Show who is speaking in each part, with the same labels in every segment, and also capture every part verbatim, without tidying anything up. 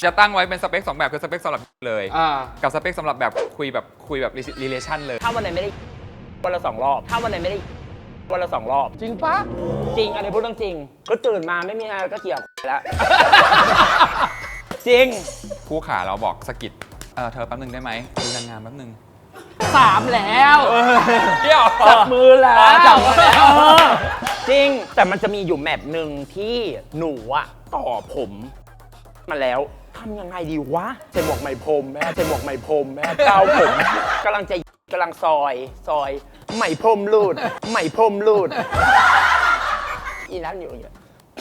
Speaker 1: จะตั้งไว้เป็นสเปคสองแบบคือสเปคสำหรับเลยกับสเปคสำหรับแบบคุยแบบคุยแบบ relation เลย
Speaker 2: ถ้าวันไหนไม่ได้วันละสองรอบถ้าวันไหนไม่ได้วันละสองรอบ
Speaker 3: จริงปะ
Speaker 2: จริงอันนี้พูดเรื่องจริงก็ตื่นมาไม่มีอะไรก็เกี่ยวแล้วจริง
Speaker 1: คู่ขาเราบอกสกิดเออเธอแป๊บนึงได้ไหมดูนางงามแป๊บนึง
Speaker 3: สามแล้ว
Speaker 2: เดี๋ยวจับมือแล้วจับมือแล้วจริงแต่มันจะมีอยู่แมปหนึ่งที่หนูอะต่อผมมาแล้วทำยังไงดีวะใส่หมวกไหมพรมแม่ใส่หมวกไหมพรมแม่เกาผมกำลังจะกำลังซอยซอยไหมพรมรูดไหมพรมรูดอีนั้นอยู่อย่างเงี้ย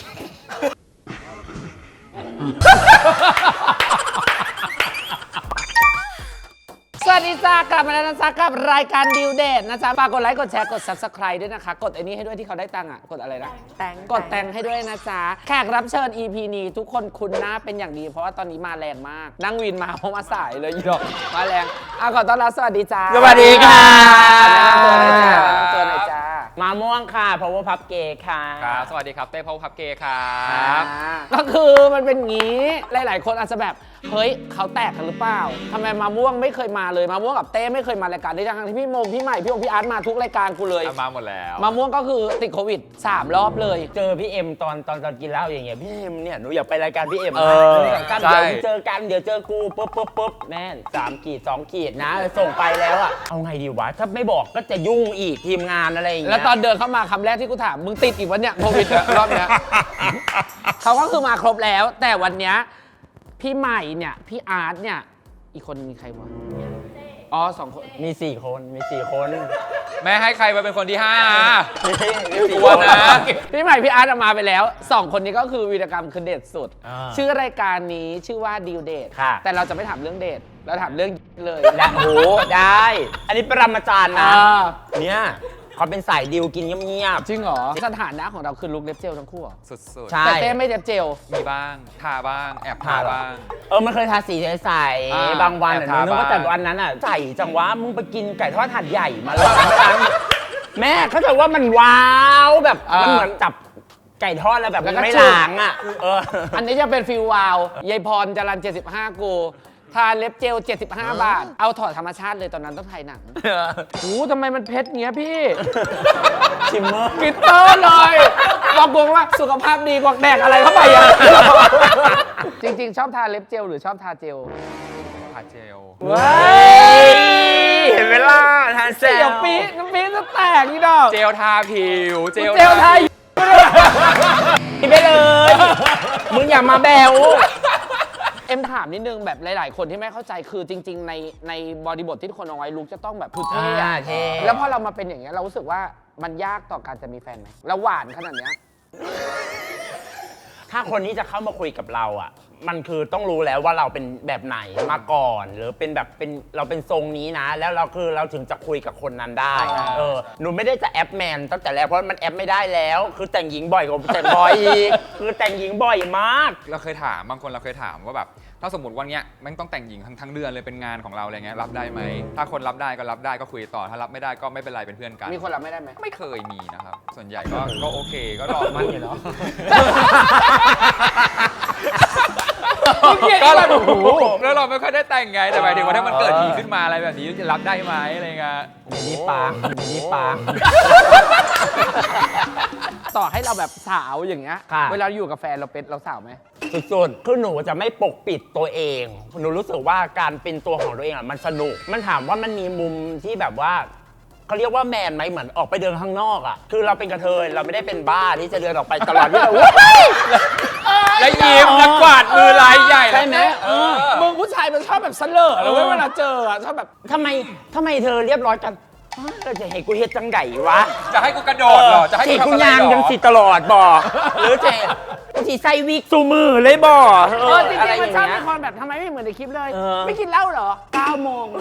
Speaker 3: สวัสดีจ้ากลับมาแล้วนะจ๊ะกับรายการดิวเดทนะจ๊ะฝากกดไลค์กดแชร์กด ซับสไครบ์ ด้วยนะคะกดไอ้นี้ให้ด้วยที่เขาได้ตังค์อ่ะกดอะไรนะ
Speaker 4: แตง
Speaker 3: กดแตงให้ด้วยนะจ๊ะแขกรับเชิญ อี พี นี้ทุกคนคุ้นหน้าเป็นอย่างดีเพราะว่าตอนนี้มาแรงมากนั่งวินมาเพราะมาสายเลยอีดอกมาแรงอ่ะขอต้อนรับสวัสดีจ้า
Speaker 2: สวัสดีค่ะ
Speaker 3: แนะนำตัวหน่อยจ้าแนะนำตัวหน่อยจ้า
Speaker 2: มาม่วงค่ะ power pub gay ค่ะ
Speaker 1: ครับสวัสดีครับเต้ power pub gay ครับ
Speaker 3: ก็คือมันเป็นงี้หลายๆคนอาจจะแบบเฮ้ยเขาแตกกันหรือเปล่าทำไมมาม่วงไม่เคยมาเลยมาม่วงกับเต้ไม่เคยมารายการนี้ทั้งที่พี่โมงพี่ใหม่พี่องพี่อาร์ตมาทุกรายการกูเลย
Speaker 1: มาหมดแล้ว
Speaker 3: มาม่วงก็คือติดโควิดสามรอบเลย
Speaker 2: เจอพี่เอ็มตอนตอนตอนกินเหล้าอย่างเงี้ยพี่เอ็มเนี่ยหนูอยากไปรายการพี่เอ็ม
Speaker 1: เออ
Speaker 2: เดี๋ยวเจอกันเดี๋ยวเจอกูปุ๊บปุ๊บปุ๊บแม่นสามขีดสองขีดนะส่งไปแล้วอะเอาไงดีวะถ้าไม่บอกก็จะยุ่งอีกทีมงานอะไรอย่างเงี้ย
Speaker 3: แล้วตอนเดินเข้ามาคำแรกที่กูถามมึงติดอีกวันเนี้ยโควิดรอบเนี้ยเขาก็คือมาครบแล้วแต่วันเนี้ยพี่ใหม่เนี่ยพี่อาร์ตเนี่ยอีกคนมีใครวะอ๋อสองคน
Speaker 2: มีสี่คนมีสี่คน
Speaker 1: แม่ให้ใครมาเป็นคนที่ห้า
Speaker 2: มีสี่คนนะ
Speaker 3: พี่ใหม่พี่อาร์ตมาไปแล้วสองคนนี้ก็คือวีรกรรมคือเด็ดสุดชื่อรายการนี้ชื่อว่าดิวเดทแต่เราจะไม่ถามเรื่องเดทเราถามเรื่องเลย
Speaker 2: และโอ้ได้อันนี้ปรมาจารย์นะเนี่ยเขาเป็นสายดิวกินเงียบ
Speaker 3: ๆจริงเหรอสถานะของเราคือลุคเล็บเจลทั้งคู่
Speaker 1: สุด
Speaker 3: ๆแต่เต้ไม่เล็บเจล
Speaker 1: มีบ้างทาบ้างแอบทาบ้าง
Speaker 2: เออมันเคยทาสีใสบางวันนึกว่าแต่วันนั้นอ่ะใส่จังวะมึงไปกินไก่ทอดถาดใหญ่มาแล้วแม่เขาจะว่ามันว้าวแบบมันเหมือนจับไก่ทอดแล้วแบบไม่ล้างอ่ะ
Speaker 3: อันนี้จะเป็นฟิลวาวยายพรจรัญเจ็ดสิบห้ากูทาเล็บเจลเจ็ดสิบห้าบาทเอาถอดธรรมชาติเลยตอนนั้นต้องถ่ายหนังโอ้ทำไมมันเพชรเงี้ยพี่
Speaker 2: ชิมเมอร์
Speaker 3: กิตเตอร์เลยบอกกงว่าสุขภาพดีกว่าแดกอะไรเข้าไปอ่ะจริงๆชอบทาเล็บเจลหรือชอบทาเจล
Speaker 1: ทาเจล
Speaker 3: ว้
Speaker 2: ายเห็นเวลาทาเจล
Speaker 3: เดี๋ยวปีน้ำปีจะแตกนี่ดอก
Speaker 1: เจลทาผิว
Speaker 3: เจลทา
Speaker 2: ไปเลยมึงอย่ามาแบว
Speaker 3: เอ็มถามนิดนึงแบบหลายๆคนที่ไม่เข้าใจคือจริงๆในในบริบทที่ทุกคนเอาไว้ลุกจะต้องแบบคือเท่แล้วพอเรามาเป็นอย่างเงี้ยเรารู้สึกว่ามันยากต่อการจะมีแฟนไหมแล้วหวานขนาดเนี้ย
Speaker 2: ถ้าคนนี้จะเข้ามาคุยกับเราอ่ะมันคือต้องรู้แล้วว่าเราเป็นแบบไหนมาก่อนหรือเป็นแบบเป็นเราเป็นทรงนี้นะแล้วเราคือเราถึงจะคุยกับคนนั้นได้เออหนูไม่ได้จะแอปแมนตั้งแต่แรกเพราะมันแอปไม่ได้แล้วคือแต่งหญิงบ่อยกว่าแต่งบอยอีกคือแต่งหญิงบ่อยมาก
Speaker 1: เราเคยถามบางคนเราเคยถามว่าแบบถ้าสมมติวันเนี้ยมันต้องแต่งหญิงทั้งทั้งเดือนเลยเป็นงานของเราอะไรเงี้ยรับได้ไหมถ้าคนรับได้ก็รับได้ก็คุยต่อถ้ารับไม่ได้ก็ไม่เป็นไรเป็นเพื่อนกัน
Speaker 3: มีคนรับไม่ได้ไหม
Speaker 1: ไม่เคยมีนะครับส่วนใหญ่ก็ก็โอเคก็รอ
Speaker 3: มันอยู่เนาะ
Speaker 1: ก็เราแล้วเราไม่ค่อยได้แต่งไงแต่หมายถึงว่าถ้ามันเกิดทีขึ้นมาอะไรแบบนี้จะรับได้ไหมอะไรเงี้ย
Speaker 2: นี่ปางนี่ปาง
Speaker 3: ต่อให้เราแบบสาวอย่างเงี้ยเวลาอยู่กับแฟนเราเป็นเราสาวไหม
Speaker 2: สุดๆคือหนูจะไม่ปกปิดตัวเองหนูรู้สึกว่าการเป็นตัวของตัวเองอ่ะมันสนุกมันถามว่ามันมีมุมที่แบบว่าเขาเรียกว่าแมนไหมเหมือนออกไปเดินข้างนอกอ่ะคือเราเป็นกระเทยเราไม่ได้เป็นบ้าที่จะเดินออกไปตลอดที่เรา
Speaker 1: แล้วยิ้มแล้วกวาดมือลายใหญ่
Speaker 3: ใช่ไหมมึงผู้ชายมันชอบแบบเสลอแล้วเวลาเจออ่ะชอบแบบ
Speaker 2: ทำไมทำไมเธอเรียบร้อยกันเราจะให้กูเฮ็ดจังไก่วะ
Speaker 1: จะให้กูกระโดดหรอจะให้
Speaker 2: กูทำอะไรหรอกูยางยังสิตลอดบ่หรือจะกูสิใส่วิกซูมือเลยบ่
Speaker 3: เออจริงๆมันชอบเป็นคนแบบทำไมไม่เหมือนในคลิปเลยไม่กินเหล้าเหรอเก้าโมง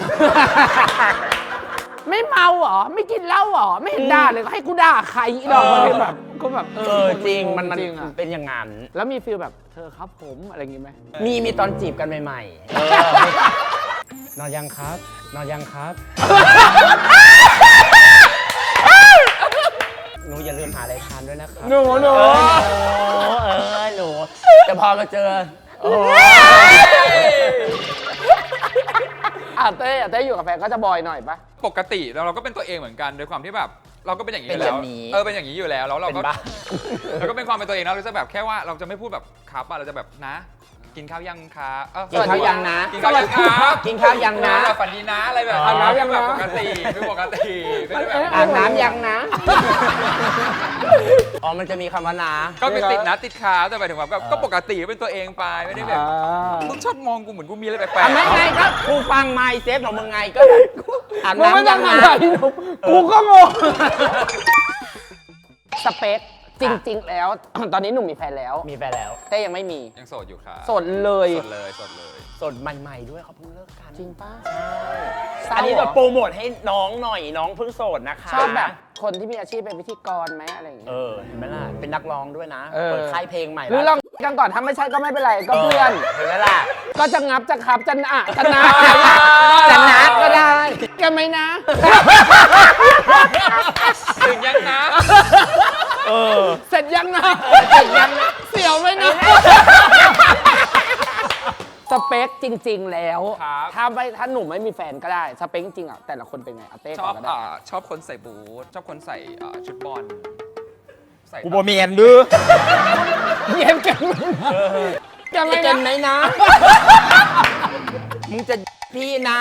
Speaker 3: ไม่เมาเหรอไม่กินเหล้าเหรอไม่เห็นด่าเลยให้กูด่าใครอีดอกมันแบบก็แบบ
Speaker 2: เออจริงมันมันเป็นอย่างงั้น
Speaker 3: แล้วมีฟีลแบบเธอครับผมอะไรอย่างงี้ไหม
Speaker 2: มีมีตอนจีบกันใหม่ๆนอนยังครับนอนยังครับหนูอย่าลืมหาอะไรทานด้วยนะครับ
Speaker 3: หนูหนู
Speaker 2: เออหนูแต่พอมาเจอโอ้
Speaker 3: อ่ะเต้อ่ะเต้อยู่กับแฟนก็จะบอยหน่อยปะ
Speaker 1: ปกติแล้วเราก็เป็นตัวเองเหมือนกันโดยความที่แบบเราก็เป็นอย่างนี้
Speaker 2: เป็
Speaker 1: อน ยู่
Speaker 2: แบ
Speaker 1: แล้ว
Speaker 2: บนี้
Speaker 1: เออเป็นอย่างนี้อยู่แล้วแล้วเรา
Speaker 2: เป็น
Speaker 1: ก็
Speaker 2: บ้า
Speaker 1: เราก็เป็นความเป็นตัวเองแล้วเราจะแบบแค่ว่าเราจะไม่พูดแบบครับอะเราจะแบบนะ กินข้าวยังครับเอ้
Speaker 2: กินข้าวยังนะ
Speaker 1: กินข้าวยังครับ
Speaker 2: กินข้าวยังนะ
Speaker 1: แบบฝันดีนะอะไรแบบ
Speaker 3: อาบน้ำยังนะ
Speaker 1: แบบปกติไม่ปกติไม่ได้แบบ
Speaker 2: อาบน้ำยังนะ อ๋อ มันจะมีคำว่านะ
Speaker 1: ก็เป็นติดนะติดขาแต่หมายถึงว่าแบบก็ปกติเป็นตัวเองไปไม่ได้แบบ
Speaker 3: อ่า
Speaker 1: มึงชอบมองกูเหมือนกูมีอะไรแปลก
Speaker 2: อ่ะไม่ไงก็กูฟังไมค์เซฟของมึงไงก็อาบ
Speaker 3: มึงไม่
Speaker 2: น้ำ
Speaker 3: ต้
Speaker 2: ยั
Speaker 3: อง
Speaker 2: ง
Speaker 3: ทำ
Speaker 2: นะ
Speaker 3: อะไรหนูกูก็งงสเปคจริง ๆ แล้ว ตอนนี้หนุ่มมีแฟนแล้ว
Speaker 2: มีแฟนแล้ว
Speaker 3: เต้ยังไม่มี
Speaker 1: ยังโสดอยู่ครับ
Speaker 3: โสดเลย
Speaker 1: โสดเลยโสดเลย
Speaker 2: สดใหม่ๆด้วยเขาเพิ่งเลิกกัน
Speaker 3: จริงป้า
Speaker 2: อันนี้จะโปรโมทให้น้องหน่อยน้องเพิ่งโสดนะคะ
Speaker 3: ชอบแบบคนที่มีอาชีพเป็นพิธีกรไหมอะไรอย่างเงี้
Speaker 2: เอย อ เห็นไหมล่ะ เป็นนักร้องด้วยนะ
Speaker 3: เออ
Speaker 2: เปิดค่ายเพลงใหม่
Speaker 3: หรือลองกันก่อนถ้าไม่ใช่ก็ไม่เป็นไรก็เพื่อน
Speaker 2: เห็นไหมล่ะ
Speaker 3: ก็จะงับจะขับจะอะจะนะ
Speaker 2: จะนัดก็ได้
Speaker 3: กันไหมนะ
Speaker 1: ถึงยังนะ
Speaker 2: เออ
Speaker 3: เสร็จยังนะเสร็จยังนะเสียวไหมนะสเปคจริง ๆ แล้ว
Speaker 1: ครับ
Speaker 3: ถ้าไม่ถ้าหนุ่มไม่มีแฟนก็ได้สเปคจริงๆอ่ะแต่ละคนเป็นไงเอาเต้
Speaker 1: ช
Speaker 3: ก่
Speaker 1: อ
Speaker 3: อบ นก็ได้
Speaker 1: อ่าชอบคนใส่บูทชอบคนใส่อ่าชุดบอลใส่
Speaker 2: กูบอเมียนดื้อ
Speaker 3: เยี่ยมกันไหมนะกันไหม
Speaker 2: เกันไหม
Speaker 3: นะ
Speaker 2: นะ มึงจะพี่นะ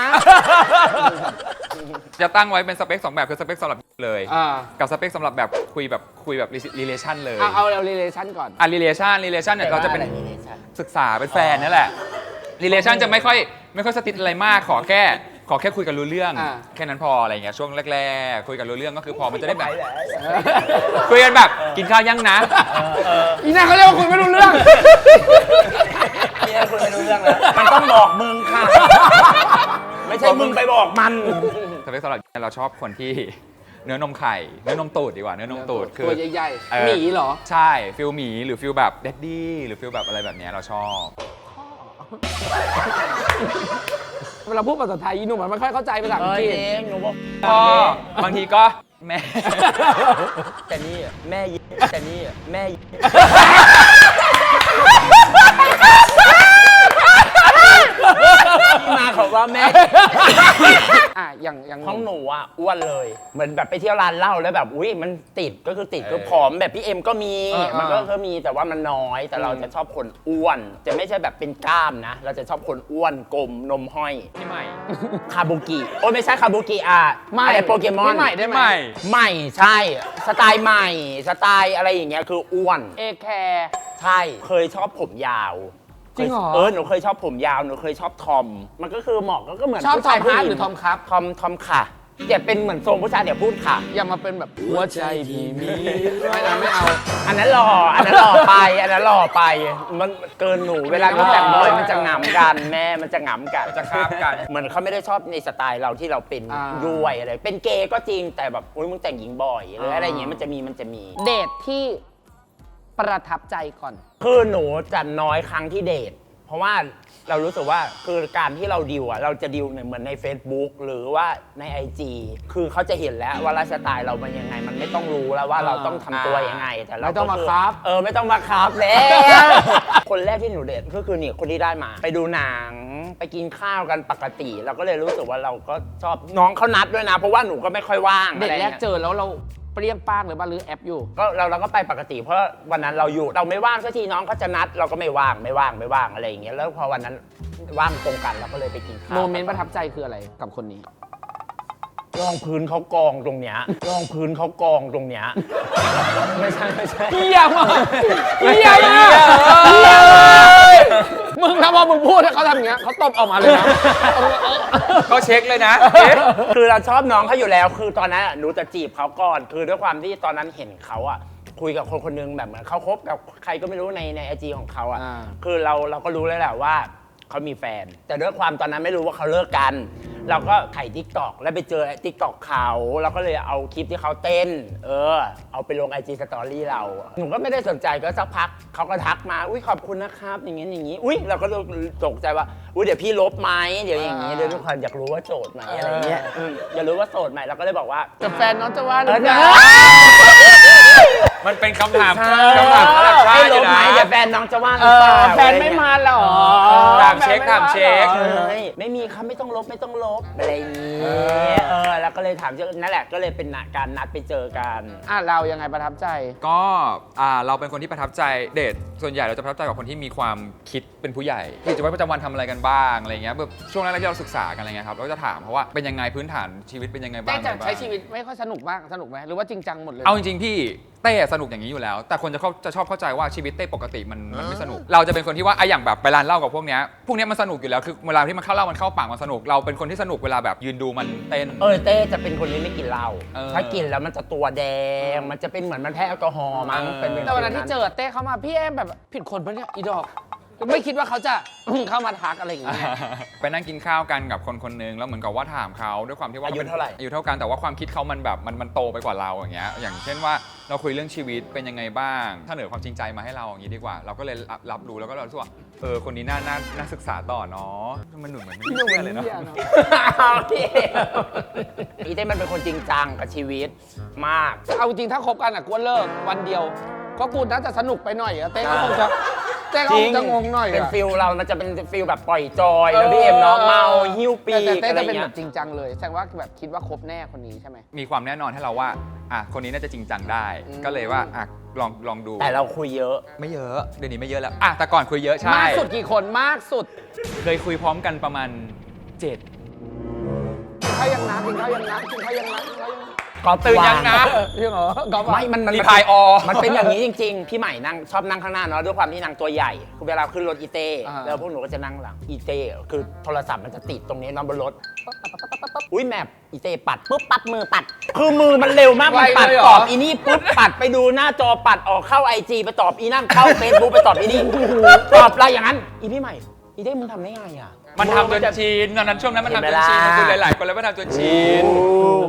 Speaker 1: จะตั้งไว้เป็นสเปคสองแบบคือสเปคสำหรับเลย
Speaker 3: อ่า
Speaker 1: กับสเปคสำหรับแบบคุยแบบคุยแบบ relation เลย
Speaker 3: เอาเอาเรา relation ก่อน
Speaker 1: อ่ะ relation relation เนี่ยเราจะเป็นศึกษาเป็นแฟนนี่แหละ relation จะไม่ค่อยไม่ค่อยสติดอะไรมากขอแค่ขอแค่คุยกันรู้เรื่อง
Speaker 3: อ่า
Speaker 1: แค่นั้นพออะไรเงี้ยช่วงแรกๆคุยกันรู้เรื่องก็คือพอมันจะได้แบบคุยกันแบบกินข้าวยังนะ
Speaker 3: อีน่าเขาเรียกว่าคุยไม่รู้เรื่อง
Speaker 2: พี่คุยไม่รู้เรื่องแล้ว มันต้องบอกมึงค่ะ ไม่ใช่มึงไปบอกมัน
Speaker 1: สเปคสำหรับเราชอบคนที่เนื้อนมไข่เนื้อนมตูดดีกว่าเนื้อนมตูดคือ
Speaker 3: ตัวใหญ่
Speaker 1: เออ
Speaker 3: ๆหมีเหรอ
Speaker 1: ใช่ฟิลหมีหรือฟิลแบบเดดดี้หรือฟิลแบบอะไรแบบเนี้ยเราชอบ
Speaker 3: เวลาพูดภาษาไทยอีหนุ่มมันไม่ค่อยเข้าใจภาษา
Speaker 2: เอ
Speaker 3: อัง
Speaker 2: อก
Speaker 3: ฤษ
Speaker 2: เองหนูบอก
Speaker 1: พ่อบางทีก็แม่
Speaker 2: แต่นี่อะแม่ยิแต่นี่อะแม่ยิที่มาของว่าแม่
Speaker 3: อ่ะอย่างอย่าง
Speaker 2: ของหนูอ่ะอ้วนเลย เหมือนแบบไปเที่ยวร้านเหล้าแล้วแบบอุ้ยมันติดก็คือติด
Speaker 1: เออ
Speaker 2: คือผอมแบบพี่เอ็มก็มี
Speaker 3: เออเออ
Speaker 2: มันก็ก็มีแต่ว่ามันน้อยแต่เราจะชอบคนอ้วน จะไม่ใช่แบบเป็นกล้ามนะ เราจะชอบคนอ้วนกลมนมห้อย
Speaker 1: พี่ใหม่
Speaker 2: คาบุกิโอ้ยไม่ใช่คาบุกิอ่ะ
Speaker 3: ไม่
Speaker 2: อะไรโปเกมอน
Speaker 3: พี่ใหม่ได้ไหม
Speaker 1: ใหม่
Speaker 2: ใหม่ใช่ สไตล์ใหม่ สไตล์อะไรอย่างเงี้ยคืออ้วน
Speaker 3: เอแคร์
Speaker 2: ใช่ เคยชอบผมยาว
Speaker 3: จริงเหรอ
Speaker 2: เออหนูเคยชอบผมยาวหนูเคยชอบทอม มันก็คือเหมาะก็เหมือน
Speaker 3: ชอบ
Speaker 2: ผู้
Speaker 3: ทอ
Speaker 2: ชาย
Speaker 3: ม
Speaker 2: ผู้
Speaker 3: ฮาร์
Speaker 2: ห
Speaker 3: ด
Speaker 2: ญิง
Speaker 3: หรือทอมครับ
Speaker 2: ทอมทอมค่ะอย่าเป็นเหมือนทรงผู้ชายเดี๋ยวพูดค่ะ
Speaker 3: อย่ามาเป็นแบบหัวใจพี่มีไม่เอาไม่เอา
Speaker 2: อันนั้นหล่ออันนั้นหล่อไป อันนั้นหล่อไป มันเกินหนูเวลาหนูแต่งบอยมันจะหงำกันแม่มันจะหงำกัน
Speaker 1: มันจะคาบกัน
Speaker 2: เหมือนเขาไม่ได้ชอบในสไตล์เราที่เราเป็น
Speaker 3: อ่า
Speaker 2: ด้วยอะไรเป็นเกย์ก็จริงแต่แบบอุ้ยมึงแต่งหญิงบ่อยหรืออะไร
Speaker 3: อ่า
Speaker 2: อย่างเงี้ยมันจะมีมันจะมี
Speaker 3: เดทที่ประทับใจก่อน
Speaker 2: คือหนูจะน้อยครั้งที่เดท เพราะว่าเรารู้สึกว่าคือการที่เราดิวอะเราจะดิวเนี่ยเหมือนใน Facebook หรือว่าใน ไอ จี คือเขาจะเห็นแล้วว่าไลฟ์สไตล์เรามันยังไง มันไม่ต้องรู้แล้วว่าเราต้องทำตัวยังไง แต่เรา
Speaker 3: ไม่ต้อง
Speaker 2: ก็
Speaker 3: มาครับ
Speaker 2: เออไม่ต้องมาครับแล้ว คนแรกที่หนูเดทก็คือนี่คนที่ได้มา ไปดูหนังไปกินข้าวกันปกติ เราก็เลยรู้สึกว่าเราก็ชอบน้องเขานัดด้วยนะ เพราะว่าหนูก็ไม่ค่อยว่าง
Speaker 3: เดท
Speaker 2: อะไร
Speaker 3: แร
Speaker 2: งี้
Speaker 3: ก
Speaker 2: ย
Speaker 3: เจอแล้วเราเปรี้ยงป้างหรือบ้าหรือแอปอยู่
Speaker 2: ก็เราเราก็ไปปกติเพราะวันนั้นเราอยู่เราไม่ว่างสักทีน้องเขาจะนัด เราก็ไม่ว่างไม่ว่างไม่ว่างอะไรอย่างเงี้ยแล้วพอวันนั้นว่างตรงกันเราก็เลยไปกินข้าว
Speaker 3: โมเมนต์ประทับใจคืออะไรกับคนนี้
Speaker 2: รองพื้นเขากองตรงเนี้ยรองพื้นเขากองตรงเนี้ยไม่ใช่ไม่ใช่
Speaker 3: เยี่ยมอ่ะเยี่ยมอ่ะเยี่ยมมึงถ้าพอมึงพูดให้เขาทำอย่างเงี้ยเขาตบออกมาเลยนะ
Speaker 1: ก็เช็คเลยนะเอ๊ะ
Speaker 2: คือเราชอบน้องเขาอยู่แล้ว คือตอนนั้นอะหนูจะจีบเขาก่อน คือด้วยความที่ตอนนั้นเห็นเขาอ่ะคุยกับคนคนหนึงแบบเหมือนเขาคบกับใครก็ไม่รู้ในในไอจีของเขาอ่ะ
Speaker 3: อ่า
Speaker 2: คือเราเราก็รู้แล้วแหละว่าเขามีแฟน แต่ด้วยความตอนนั้นไม่รู้ว่าเขาเลิกกัน เราก็ถ่ายทิกตอกแล้วไปเจอทิกตอกเขาเราก็เลยเอาคลิปที่เขาเต้น เออ เอาไปลงไอจีสตอรี่เรา หนูก็ไม่ได้สนใจก็สักพักเขาก็ทักมา อุ้ยขอบคุณนะครับ อย่างงี้อย่างงี้ อุ้ยเราก็ตกใจว่า อุ้ยเดี๋ยวพี่ลบไหมเดี๋ยวอย่างงี้เดี๋ยวทุกคนอยากรู้ว่าโสดไหมอะไรเงี้ยอืมอยากรู้ว่าโสดไหมเราก็เลยบอกว่า
Speaker 3: กับแฟนน้องจะว่าห
Speaker 2: เอ
Speaker 3: รือ อ
Speaker 2: เน
Speaker 3: เปล่า
Speaker 1: มันเป็นคำถาม
Speaker 2: ใช่
Speaker 1: คำถามระดับชา
Speaker 2: ให้
Speaker 1: ติอ
Speaker 2: ล
Speaker 1: ยู่
Speaker 2: บไหม
Speaker 1: นะ
Speaker 2: เดี๋ยวแฟนน้องจะว่าห
Speaker 3: เอ
Speaker 2: รือเป
Speaker 3: อ
Speaker 2: ล่า
Speaker 3: แฟนไม่มาหรอ
Speaker 2: ใช่
Speaker 1: ามเช็คถามเช็ค
Speaker 2: เอ้ยไม่มีครับไม่ต้องลบไม่ต้องลบอะไรอย่างนี้
Speaker 3: เออ
Speaker 2: เออแล้วก็เลยถามเจอนั่นแหละก็เลยเป็นการนัดไปเจอกัน
Speaker 3: อ่ะเรายังไงประทับใจ
Speaker 1: ก็อ่าเราเป็นคนที่ประทับใจเดทส่วนใหญ่เราจะประทับใจกับคนที่มีความคิดเป็นผู้ใหญ่กิจวัตรประจำวันทำอะไรกันบ้างอะไรเงี้ยแบบช่วงแรกๆที่เราศึกษากันอะไรเงี้ยครับเราก็จะถามเพราะว่าเป็นยังไงพื้นฐานชีวิตเป็นยังไงบ้า
Speaker 3: เต้
Speaker 1: ง
Speaker 3: จะ
Speaker 1: อะไรบ้าง
Speaker 3: ใช้ชีวิตไม่ค่อยสนุกบ้างสนุกไหมหรือว่าจริงจังหมดเลย
Speaker 1: เอาจริงๆพี่เต้สนุกอย่างนี้อยู่แล้ว แต่คนจะเข้าจะชอบเข้าใจว่าชีวิตเต้ปกติมันมันไม่สนุก เราจะเป็นคนที่ว่าไอ้อย่างแบบไปร้านเหล้ากับพวกเนี้ยพวกเนี้ยมันสนุกอยู่แล้วคือเวลาที่มันเข้าเหล้ามันเข้าปากมันสนุกเราเป็นคนที่สนุกเวลาแบบยืนดูมันเต้น
Speaker 2: เออเต้จะเป็นคนที่ไม่กินเหล้า
Speaker 1: เออ
Speaker 2: ถ้ากินแล้วมันจะตัวแดงมันจะเป็นเหมือนมันแพ้แอลกอฮอล์มั้ง
Speaker 1: เออ
Speaker 2: เป็น
Speaker 3: แต่วันนั้นที่เจอเต้เข้ามาพี่แอมแบบผิดคนปะเนี่ยอีดอกไม่คิดว่าเขาจะ เข้ามาทักอะไรอย่างเงี้ย
Speaker 1: ไปนั่งกินข้าวกันกับคนคนหนึงแล้วเหมือนกับว่าถามเขาด้วยความที่ว่า
Speaker 2: อายุเท่าไหร่
Speaker 1: อายุเท่ากันแต่ว่าความคิดเขามันแบบมันมันโตไปกว่าเราอย่างเงี้ยอย่างเช่นว่าเราคุยเรื่องชีวิตเป็นยังไงบ้างถ้าเหนือความจริงใจมาให้เราอย่างนี้ดีกว่า เราก็เลยรับรับรู้แล้วก็เรารู้สึกว่าเออคนนี้น่าน่าน่าศึกษาต่อเนาะมันหนุ่มเหมือนไม่มีเพื่อนเลยเนาะ
Speaker 2: เอาพี่อีเต้มันเป็นคนจริงจังกับชีวิตมาก
Speaker 3: เอาจริงถ้าคบกันอ่ะกูว่าเลิกวันเดียว ก็กูน่าจะสนุกไปหน่อยอะเต้ก็คงจะเต้ก็คงจะงงหน่อย
Speaker 2: เป็น
Speaker 3: อะ
Speaker 2: ฟิลเรามันจะเป็นฟิลแบบปล่อยจอยแล้วพี่เอ็มเนาะเมาหิ้วปี
Speaker 3: แต่
Speaker 2: ก
Speaker 3: แต่
Speaker 2: อะไร
Speaker 3: เต้จะเป็น
Speaker 2: เงี้
Speaker 3: แบ
Speaker 2: ย
Speaker 3: บจริงจังเลยแสดงว่าแบบคิดว่าคบแน่คนนี้ใช่ไหม
Speaker 1: มีความแน่นอนให้เราว่าอ่ะคนนี้น่าจะจริงจังได้
Speaker 3: อืม
Speaker 1: ก็เลยว่าอ่ะลองลองดู
Speaker 2: แต่เราคุยเยอะ
Speaker 1: ไม่เยอะเดี๋ยวนี้ไม่เยอะแล้วอ่ะแต่ก่อนคุยเยอะใช่
Speaker 3: มากสุดกี่คนมากสุด
Speaker 1: เคยคุยพร้อมกันประมาณเจ็ด
Speaker 3: กินข้าวยังนะกินข้าวยังนะกินข้าวยังนะกินข้าวยังนะ
Speaker 2: กอล์ฟตื่นยังนะ
Speaker 3: ยังเหรอกอล์ฟอะ
Speaker 2: ไม่มันมัน
Speaker 1: รีพายออ
Speaker 2: มันเป็นอย่างนี้จริงๆ พี่ใหม่นั่งชอบนั่งข้างหน้าเนาะด้วยความที่นางตัวใหญ่คือเวลาขึ้นรถอีเต้แล้วพวกหนูก็จะนั่งหลังอีเต้คือโทรศัพท์มันจะติดตรงนี้นอนบนรถอุ้ยแมปอีเต้ปัดปุ๊บปัดมือปัด คือมือมันเร็วมากมันปัดตอบอีนี่ปุ๊บปัดไปดูหน้าจอปัดออกเข้าไอจีไปตอบอีนั่นเข้าเฟซบุ๊กไปตอบอีนี่ตอบอะไรอย่างนั้นอีพี่ใหม่อีเต้มึงทำได้ไงอ่ะ
Speaker 1: มันทำจนชินตอนนั้นช่วงนั้นมันทำจนชิน
Speaker 2: เห็
Speaker 1: มัน
Speaker 2: นไหมล่ะ
Speaker 1: คุยหลายๆคนแล้วมันทำจนชิน
Speaker 2: โอ้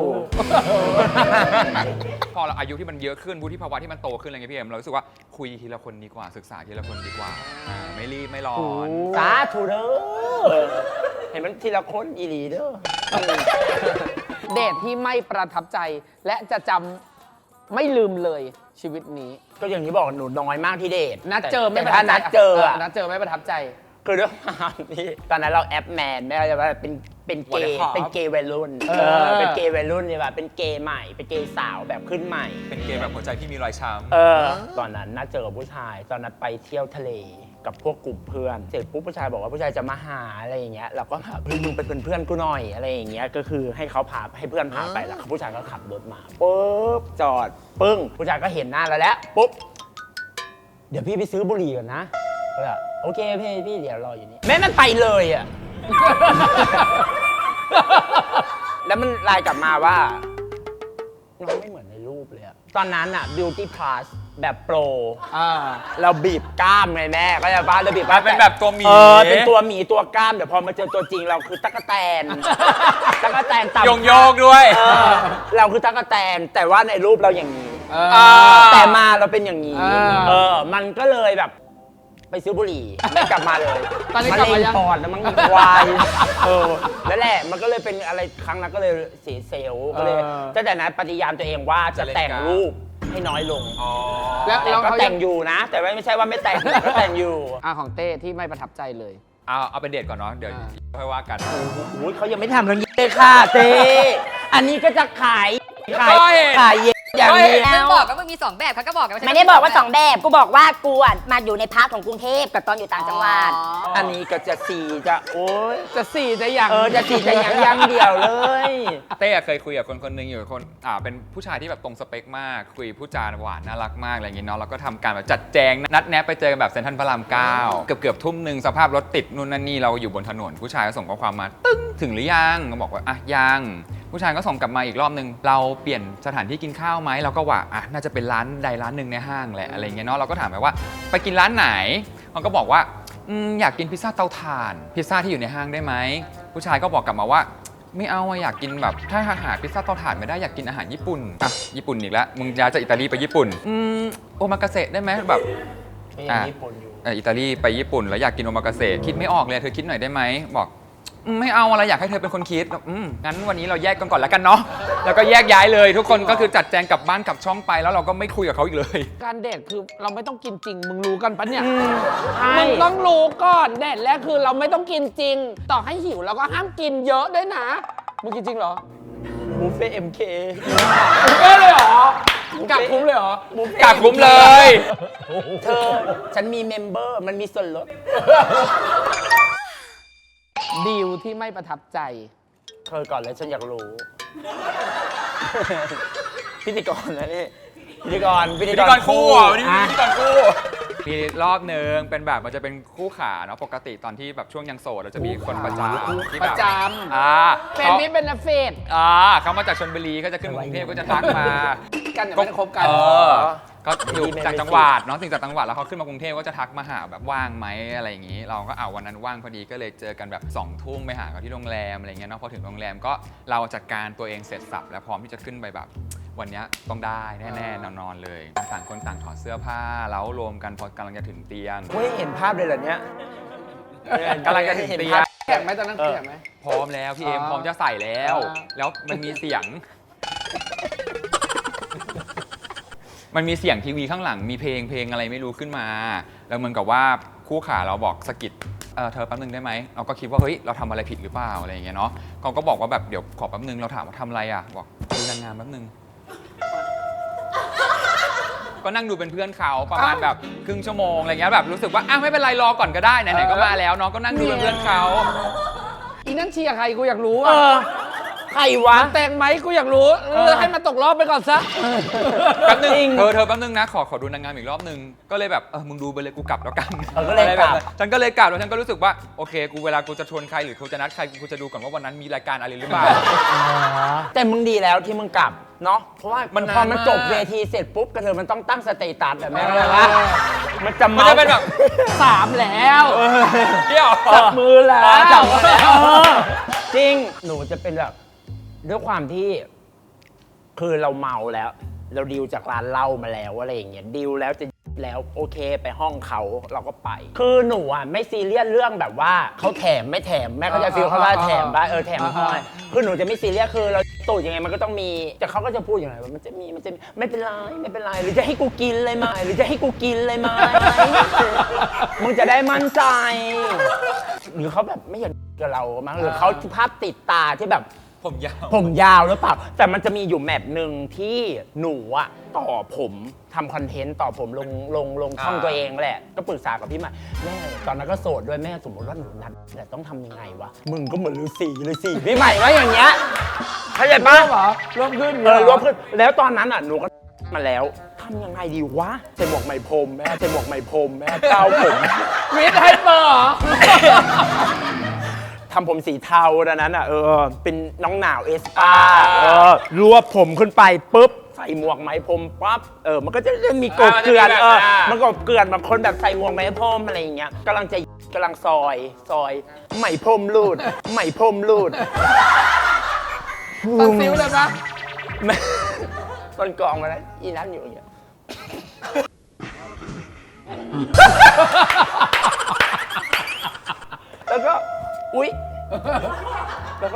Speaker 1: พอเราอายุที่มันเยอะขึ้นวุฒิภาวะที่มันโตขึ้นอะไรเงี้ยพี่เอ็มเรารู้สึกว่าคุยทีละคนดีกว่าศึกษาทีละคนดีกว่าอ่าไม่รีบไม่ร้อน
Speaker 2: สาธุเด้อเห็นมันทีละคนอีหลีเด้อ
Speaker 3: เดทที่ไม่ประทับใจ และจะจำไม่ลืมเลยชีวิตนี้
Speaker 2: ก็อย่างที่บอกหนูน้อยมากที่เดท
Speaker 3: นัดเจอไม่
Speaker 2: แต่
Speaker 3: ประทั
Speaker 2: ถ้า
Speaker 3: บใจ
Speaker 2: นัดเจออะ
Speaker 3: นัดเจอไม่ประทับใจ
Speaker 2: คือด้วยความที่ตอนนั้นเราแอปแมนไม่ว่าจะว่าเป็นเป็นเกย์
Speaker 1: What the fuck
Speaker 2: เป็นเกย์วัยรุ่น
Speaker 3: เอ
Speaker 2: เอ
Speaker 3: อ
Speaker 2: อเป็นเกย์วัยรุ่นเนี่ยว่าเป็นเกย์ใหม่เป็นเกย์สาวแบบขึ้นใหม่
Speaker 1: เป็นเกมแบบหัวใจที่มีรอยช้ำ
Speaker 2: เออตอนนั้นนัดเจอกับผู้ชาย ตอนนั้นไปเที่ยวทะเลกับพวกกลุ่มเพื่อนเสร็จปุ๊บผู้ชายบอกว่าผู้ชายจะมาหาอะไรอย่างเงี้ยเราก็แบบเฮ้ยมึงเป็นเพื่อนกูหน่อยอะไรอย่างเงี้ยก็คือให้เขาพาให้เพื่อนพาไปแล้วผู้ชายก็ขับรถมาปุ๊บจอดปึ้งผู้ชายก็เห็นหน้าเราแล้วปุ๊บเดี๋ยวพี่ไปซื้อบุหรี่ก่อนนะก็แบบโอเคพี่พี่เดี๋ยวรออยู่นี่แม่มันไปเลยอ่ะ แล้วมันไลน์กลับมาว่าน้องไม่เหมือนในรูปเลยอะตอนนั้นอะ beauty plus แบบโปร
Speaker 3: อ่า
Speaker 2: เราบีบกล้ามไงแม่ก็จะบ้าเราบีบกล้าม
Speaker 1: เป็นแบบตัวหมี
Speaker 2: เออเป็นตัวหมีตัวกล้ามเดี๋ยวพอมาเจอตัวจริงเราคือตั๊กแตน ตั๊กแตนต่ำ
Speaker 1: โยงโยกด้วย
Speaker 2: เออเราคือตั๊กแตนแต่ว่าในรูปเราอย่างนี้
Speaker 3: เออ
Speaker 1: อ่า
Speaker 2: แต่มาเราเป็นอย่างนี้
Speaker 3: อ่า
Speaker 2: เออ มันก็เลยแบบ ไปซื้อบุหรี่ไม่กลับมาเลย
Speaker 3: ตอนนี้
Speaker 2: มะ
Speaker 3: กลับ
Speaker 2: เร็
Speaker 3: มาง ยัง
Speaker 2: ปอดแล้วมันวายเออแล้วแหละมันก็เลยเป็นอะไรครั้งนั้นก็เลยเสียเซลล์ก็เลย
Speaker 3: เออ
Speaker 2: ตั้งแต่นั้นปฏิญาณตัวเองว่าจะแต่งรูปให้น้อยลง
Speaker 1: อ๋อ
Speaker 3: แล้ว
Speaker 2: แต่
Speaker 3: แล้ว
Speaker 2: ก็
Speaker 3: เขา
Speaker 2: แต่
Speaker 3: ยัง
Speaker 2: งอยู่นะ แต่ว่าไม่ใช่ว่าไม่แต่งก็แต่งอยู่
Speaker 3: อ่าของเต้ที่ไม่ประทับใจเลย
Speaker 1: เอาเอาเป็นเดทก่อนเนาะเดี๋ยว
Speaker 3: อ่า
Speaker 1: ค่อยว่ากัน
Speaker 2: อุ้ยเขายังไม่ทำเรื่องนี้เลยค่ะเต้อันนี้ก็จะขายขาย
Speaker 1: ก็เห็น
Speaker 2: ขายเย็นอย่างเดี
Speaker 4: มึ
Speaker 2: ย
Speaker 4: ง
Speaker 2: ว
Speaker 4: บอกว่ามึงมีสองแบบเขาก็บอกกันว่า
Speaker 5: ไม่ได้บอกว่าสองแบบ กูบอกว่ากูอ่ะมาอยู่ในพาร์ทของกรุงเทพกับตอนอยู่ต่างจังหวัด
Speaker 2: อันนี้ก็จะสีจะโอ้ย
Speaker 3: จะสี่จะอย่าง
Speaker 2: เออจะสีจะยังยังเดียวเลย
Speaker 1: เต้เคยคุยกับคนคนหนึงอยู่คนอ่าเป็นผู้ชายที่แบบตรงสเปคมาก คุยผู้จาหวานน่ารักมากอะไรอย่างงี้เนาะเราก็ทำการแบบจัดแจงนัดแนะไปเจอกันแบบเซ็นทรัลพระรามเก้าเกือบเกือบทุ่มหนึ่งสภาพรถติดนู่นนั่นนี่เราอยู่บนถนนผู้ชายก็ส่งข้อความมาตึ้งถึงหรือยังก็บอกว่าอ่ะยังผู้ชายก็ส่งกลับมาอีกรอบนึงเราเปลี่ยนสถานที่กินข้าวไหมเราก็ว่าอ่ะน่าจะเป็นร้านใดร้านหนึ่งในห้างแหละอะไรเงี้ยเนาะเราก็ถามไปว่าไปกินร้านไหนมันก็บอกว่าอืมอยากกินพิซซ่าเตาถ่านพิซซ่าที่อยู่ในห้างได้ไหมผู้ชายก็บอกกลับมาว่าไม่เอาอะอยากกินแบบถ้าหาพิซซ่าเตาถ่านไม่ได้อยากกินอาหารญี่ปุ่นอ่ะญี่ปุ่นอีกแล้วมึงย้ายจากอิตาลีไปญี่ปุ่นอืมโอมากาเสะได้ไหมแบบ
Speaker 2: ยังญี่ปุ่นอยู่
Speaker 1: เอ่ออิตาลีไปญี่ปุ่นแล้วอยากกินโอมากาเสะคิดไม่ออกเลยเธอคิดหน่อยได้ไหมบอกอืมไม่เอาอะไรอยากให้เธอเป็นคนคิดอืมงั้นวันนี้เราแยกกันก่อนแล้วกันเนาะแล้วก็แยกย้ายเลยทุกคนก็คือจัดแจงกลับบ้านกลับช่องไปแล้วเราก็ไม่คุยกับเขาอีกเลย
Speaker 3: การเดทคือเราไม่ต้องกินจริง มึงรู้กันปะเนี่ย
Speaker 2: ใช่
Speaker 3: มึงต้องรู้ก่อนเดทแรกคือเราไม่ต้องกินจริง ต่อให้หิวเราก็ห้ามกินเยอะด้วยนะ มึงกินจริงเหรอ
Speaker 2: บุฟเฟ่เอ็มเค
Speaker 3: เอ้เลยเหรอกักคุ้มเลยเหรอ
Speaker 1: กลับคุ้มเลย
Speaker 2: เธอฉันมีเมมเบอร์มันมีส่วนลด
Speaker 3: ดีลที่ไม่ประทับใจ
Speaker 2: เธอก่อนเลยฉันอยากรู้ พิธีกรนะนี่พิธีกร
Speaker 1: พิธีกรคู่อ่ะวันนี้
Speaker 2: อ่ะ
Speaker 1: พิธีกรคู่มีรอบหนึ่งเป็นแบบมันจะเป็นคู่ขาเนาะปกติตอนที่แบบช่วงยังโสดเราจะมีคนประจำที่
Speaker 3: ป
Speaker 1: แบบ
Speaker 3: ระจำ
Speaker 1: อ่า
Speaker 3: เป็น
Speaker 1: เขา
Speaker 3: นี่เป็นนักเฟด
Speaker 1: อ่าเขามาจากชลบุรีก็จะขึ้นมากรุงเทพก็จะทักมา
Speaker 3: กันอย่าไม่ได้คบกัน
Speaker 1: เออก็อยู่จากจังหวัดเนาะถึงจากจังหวัดแล้วเขาขึ้นมากรุงเทพก็จะทักมาหาแบบว่างไหมอะไรอย่างนี้ เราก็เอาวันนั้นว่างพอดีก็เลยเจอกันแบบสองทุ่มไปหาเขาที่โรงแรมอะไรเงี้ยเนาะพอถึงโรงแรมก็เราจัดการตัวเองเสร็จสับแล้วพร้อมที่จะขึ้นไปแบบวันเนี้ยต้องได้แน่ๆนอนๆเลยต่างคนต่างถอดเสื้อผ้าแล้วรวมกันพอกำลังจะถึงเตียง
Speaker 2: เฮ้ยเห็นภาพเลยเหรอเนี่ย
Speaker 1: กำลังจะถึงเตียง
Speaker 3: แข็งไหมตอนนั้นแข็งไหม
Speaker 1: พร้อมแล้วพี่เอ็ม
Speaker 3: อ๋อ
Speaker 1: พร้อมจะใส่แล้ว
Speaker 3: อ่า
Speaker 1: แล้วมันมีเสียง มันมีเสียงทีวีข้างหลังมีเพลงเพลงอะไรไม่รู้ขึ้นมา แล้วเหมือนกับว่าคู่ขาเราบอกสะกิดเออเธอแป๊บนึงได้ไหมเราก็คิดว่าเฮ้ยเราทำอะไรผิดหรือเปล่าอะไรอย่างเงี้ยเนาะเขาก็บอกว่าแบบเดี๋ยวขอแป๊บนึงเราถามว่าทำอะไรอ่ะบอกดูนางงามแป๊บนึง ก็นั่งดูเป็นเพื่อนเขาประมาณแบบครึ่งชั่วโมงอะไรเงี้ยแบบรู้สึกว่าอ้าวไม่เป็นไรรอก่อนก็ได้ไหนๆก็มาแล้วเนาะก็นั่งดูเป็นเพื่อนเขา
Speaker 3: อีนั่นเชียร์ใครกูอยากรู้
Speaker 2: เอ
Speaker 3: อ่ะ
Speaker 2: อ ใครวะ
Speaker 3: แต่งไหมกูอยากรู้เออให้มันตกรอบไปก่อนซะ
Speaker 1: แป๊บนึง
Speaker 2: จริง
Speaker 1: เธอเธอแป๊บนึงนะขอขอดูนางงามอีกรอบนึงก็เลยแบบเออมึงดูไปเลยกูกลับแล้วกัน
Speaker 2: เออก็เลยกลับ
Speaker 1: อะไรแบบนั้นฉันก็เลยกลับแล้วฉันก็รู้สึกว่าโอเคกูเวลากูจะชวนใครหรือกูจะนัดใครกูจะดูก่อนว่าวันนั้นมีรายการอะไรหรือเปล่า
Speaker 2: แต่มึงดีแล้วที่มึงกลับเนาะเพราะว่า
Speaker 1: มัน
Speaker 2: พอมัน
Speaker 1: นานมาก
Speaker 2: จบเวทีเสร็จปุ๊บกระเทยมันต้องตั้งสเตตัสแบบแม่อะไรวะมันจะ
Speaker 1: มัน
Speaker 2: เมา
Speaker 1: จะเป็นแบบ
Speaker 3: สามแล้ว
Speaker 1: เที่ยว
Speaker 2: จับมือแล้ว
Speaker 3: เออจับมือแล้ว
Speaker 2: เออจริงหนูจะเป็นแบบด้วยความที่คือเราเมาแล้ว เราดีลจากร้านเหล้ามาแล้วอะไรอย่างเงี้ยดีลแล้วจะแล้วโอเคไปห้องเขาเราก็ไป คือหนูอ่ะไม่ซีเรียสเรื่องแบบว่าเขาแถมไม่แถมแม่เขาจะฟีลเขาว่าแถมบ้าเออแถมให้คือหนูจะไม่ซีเรียสคือเราตูดยังไงมันก็ต้องมีแต่เขาก็จะพูดอย่างไรว่ามันจะมีมันจะมีไม่เป็นไรไม่เป็นไรหรือจะให้กูกินเลยไหมหรือจะให้กูกินเลยไหมมึงจะได้มั่นใจ หรือเขาแบบไม่อยากกับเรามั้งหรือเขาภาพติดตาที่แบบ
Speaker 1: ผมยาว
Speaker 2: ผมยาวหรือเปล่า แต่มันจะมีอยู่แมปหนึ่งที่หนูอะต่อผมทำคอนเทนต์ต่อผมลงลงลงช่องตัวเองแหละ ก็ปรึกษากับพี่ใหม่แม่ตอนนั้นก็โสดด้วยแม่สมมติว่าหนูนัดแต่ต้องทำยังไงวะ มึงก็เหมือนฤาษีเลยสิพี่ใหม่ว่าอย่างเงี้ยเข้าใจปะ
Speaker 3: เหรอรวมขึ้น
Speaker 2: เออรวมขึ้นแล้วตอนนั้นอะหนูก็มาแล้วทำยังไงดีวะใส่หมวกไหมพรมแม่ใส่หมวกไหมพรมแม่เก้าผม
Speaker 3: วิทย์ไฮเปอร์เหรอ
Speaker 2: ทำผมสีเทาดังนั้นอ่ะเออเป็นน้องหนาวเอสปาเออรวบผมขึ้นไปปุ๊บใส่หมวกไหมพรมปั๊บเออมันก็จะมีกบเกลื่อนเออมันกบเกลื่อนบางคนแบบใส่หมวกไหมพรมอะไรอย่างเงี้ยกำลังจะกำลังซอยซอยไหมพรมรูดไหมพรมรูด
Speaker 3: ตัดซิวเลยปะ
Speaker 2: ต้นกองมาแล้วอีนั้นอยู่อย่างเงี้ยแล้วก็อุ๊ยแล้วก็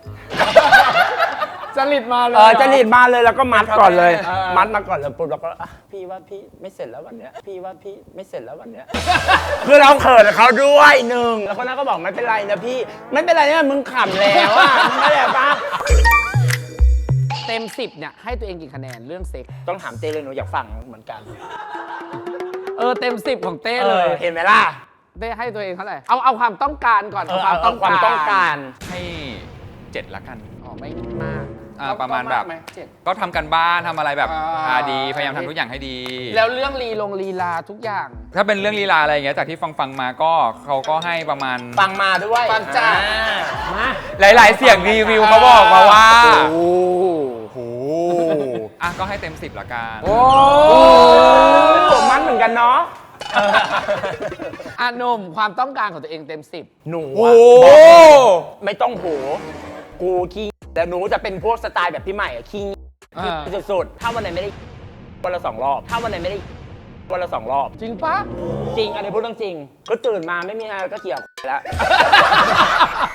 Speaker 3: จริตมาเลย
Speaker 2: เออจะหนีดมาเลยแล้วก็มัดก่อนเลย
Speaker 3: เออ
Speaker 2: มัดมาก่อนแล้วปุ๊บแล้วก็อ่ะพี่ว่าพี่ไม่เสร็จแล้ววันเนี้ยพี่ว่าพี่ไม่เสร็จแล้ววันเนี้ย คือเราเขินเขาด้วยหนึ่งแล้วคนนั้นก็บอกไม่เป็นไรนะพี่ไม่เป็นไรเนี่ยมึงขำแล้วอ่ะมึงไม่ได้ปะ
Speaker 3: เต็มสิบเนี่ยให้ตัวเองกี่คะแนนเรื่องเซ็ก
Speaker 2: ต้องถามเต้เลยหนูอยากฟังเหมือนกัน
Speaker 3: เออเต็มสิบของเต้
Speaker 2: เอ
Speaker 3: เล
Speaker 2: อย เห็นไหมล่ะ
Speaker 3: เต้ให้ตัวเองเท่าไหร่เอาเอาความต้องการก่อน
Speaker 2: เออเอาเอาความต้องการ
Speaker 1: ให้เจ็ดละกัน
Speaker 3: อ๋อไม่มาก
Speaker 1: อ่าประมาณแบบ
Speaker 3: ไหมเจ็ด
Speaker 1: ก็ทำกันบ้านทำอะไรแบบ
Speaker 3: อ่า
Speaker 1: อ่าดีพยายามทำทุกอย่างให้ดี
Speaker 3: แล้วเรื่องลีลงลีลาทุกอย่าง
Speaker 1: ถ้าเป็นเรื่องลีลาอะไรอย่างเงี้ยจากที่ฟังฟังๆมาก็เขาก็ให้ประมาณ
Speaker 2: ฟังมาด้วย
Speaker 3: ฟังจ้า
Speaker 2: อ่มา
Speaker 1: หลาย ๆ เสียงรีวิวเขาบอกมาว่า
Speaker 2: โอ้โห
Speaker 1: อ่ะก็ให้เต็มสิบละกัน
Speaker 3: โอ้
Speaker 2: มันเหมือนกันเนาะ
Speaker 3: อาหนมความต้องการของตัวเองเต็มสิบ
Speaker 2: หนู
Speaker 1: โอ้
Speaker 2: อะ
Speaker 1: โห
Speaker 2: บอกไม่ต้องโห กูขี้แต่หนูจะเป็นพวกสไตล์แบบพี่ใหม่อะขี้
Speaker 3: อ่า
Speaker 2: สุดๆถ้าวันไหนไม่ได้วันละสองรอบ ถ้าวันไหนไม่ได้วันละสองรอบ
Speaker 3: จริงปะ
Speaker 2: จริงอันนี้พูดเรื่องจริง ก็ตื่นมาไม่มีอะไรก็เกี่ยวแล้ว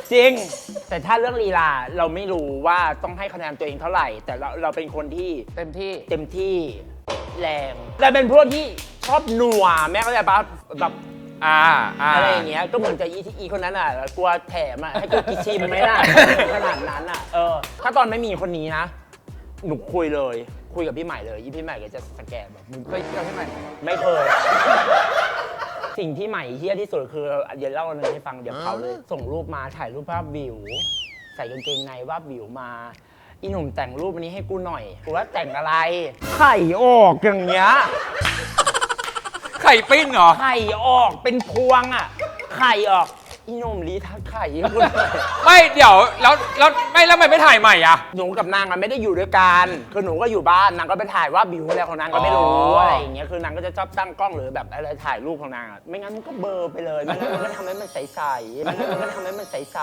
Speaker 2: จริง แต่ถ้าเรื่องลีลาเราไม่รู้ว่าต้องให้คะแนนตัวเองเท่าไหร่ แต่เราเราเป็นคนที่
Speaker 3: เต็มที่
Speaker 2: เต็มที่แรงแต่เป็นพวกที่ชอบหนัวแม่เข้าใจปะแบบ
Speaker 1: อ่าอ่า
Speaker 2: อะไรอย่างเงี้ยก็เหมือนจะอีที่อีคนนั้นอ่ะกลัวแถมอ่ะให้กูกินชิมไหมล่ะ ขนาดนั้นอ่ะเออถ้าตอนไม่มีคนนี้นะหนูคุยเลยคุยกับพี่ใหม่เลยยี่พี่ใหม่ก็จะสแกนแบบมึง
Speaker 3: เคยเจอพี่ใหม่
Speaker 2: ไม่เคย สิ่งที่ใหม่เฮี้ยที่สุดคือเดี๋ยวเล่าอันนึงให้ฟังเดี๋ยวเขาเลย ส่งรูปมาถ่ายรูปภาพวิว ใส่กางเกงในวาบวิวมาอีหนุ่มแต่งรูปอันนี้ให้กูหน่อยกูว่าแต่งอะไรไข่ออกอย่างเงี้ย
Speaker 1: ไข่ปิ้งเหรอ
Speaker 2: ไข่ออกเป็นพวงอ่ะ ไข่ออกอีหนุ่มรีทักไข่ให้กูหน่อย
Speaker 1: ไม่เดี๋ยวแล้วแล้วไม่แล้วทำไมไม่ถ่ายใหม่อ่ะ
Speaker 2: หนูกับนางอะไม่ได้อยู่ด้วยกันคือหนูก็อยู่บ้านนางก็ไปถ่ายว่าบิวอะไรของนางก็ไม่รู้
Speaker 1: อ๋ออ
Speaker 2: อะไรอย่างเงี้ยคือนางก็จะชอบตั้งกล้องหรือแบบอะไรถ่ายรูปของนางอะไม่งั้นมันก็เบลอไปเลยไม่งั้นมันก็ทำให้มันใสๆไม่งั้นมันก็ทำให้มันใส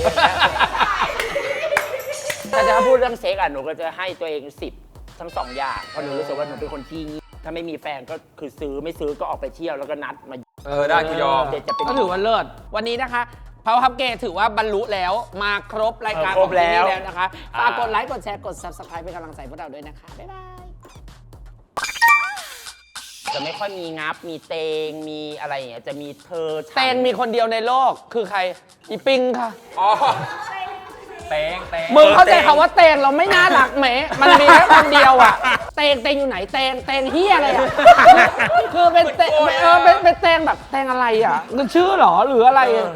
Speaker 2: ๆแต่ถ้าพูดเรื่องเซ็กอะหนูก็จะให้ตัวเองสิบทั้งสองอย่างเพราะหนูรู้สึกว่าหนูเป็นคนที่งี้ถ้าไม่มีแฟนก็คือซื้อไม่ซื้อก็ออกไปเที่ยวแล้วก็นัดมา
Speaker 1: เออได้กูยอม
Speaker 2: เดี๋ยวจะเป็น
Speaker 3: ก็ถือว่าเลิศวันนี้นะคะพาวฮับเกถือว่าบรรลุแล้วมาครบรายการ
Speaker 2: เออครบ
Speaker 3: ของที่นี่
Speaker 2: แล้ว
Speaker 3: แล้วนะคะฝากกดไลค์กดแชร์กด ซับสไครบ์ เป็นกำลังใจพวกเราด้วยนะคะ บ๊ายบาย
Speaker 2: จะไม่ค่อยมีงับมีเตงมีอะไรอย่างเงี้ยจะมีเธอฉัน
Speaker 3: เตงมีคนเดียวในโลกคือใครอีปิงค่ะ
Speaker 1: อ๋อเตงเตง
Speaker 3: มึงเข้าใจคำว่าเตงเราไม่น่ารักไหมมันมีแค่คนเดียวอ่ะ เตงเตงอยู่ไหนเตงเตงเฮียอะไรอ่ะคือเป็นเตงเออเป็นเป็นเตงแบบเตงอะไรอ่ะคือชื่อเหรอหรืออะไร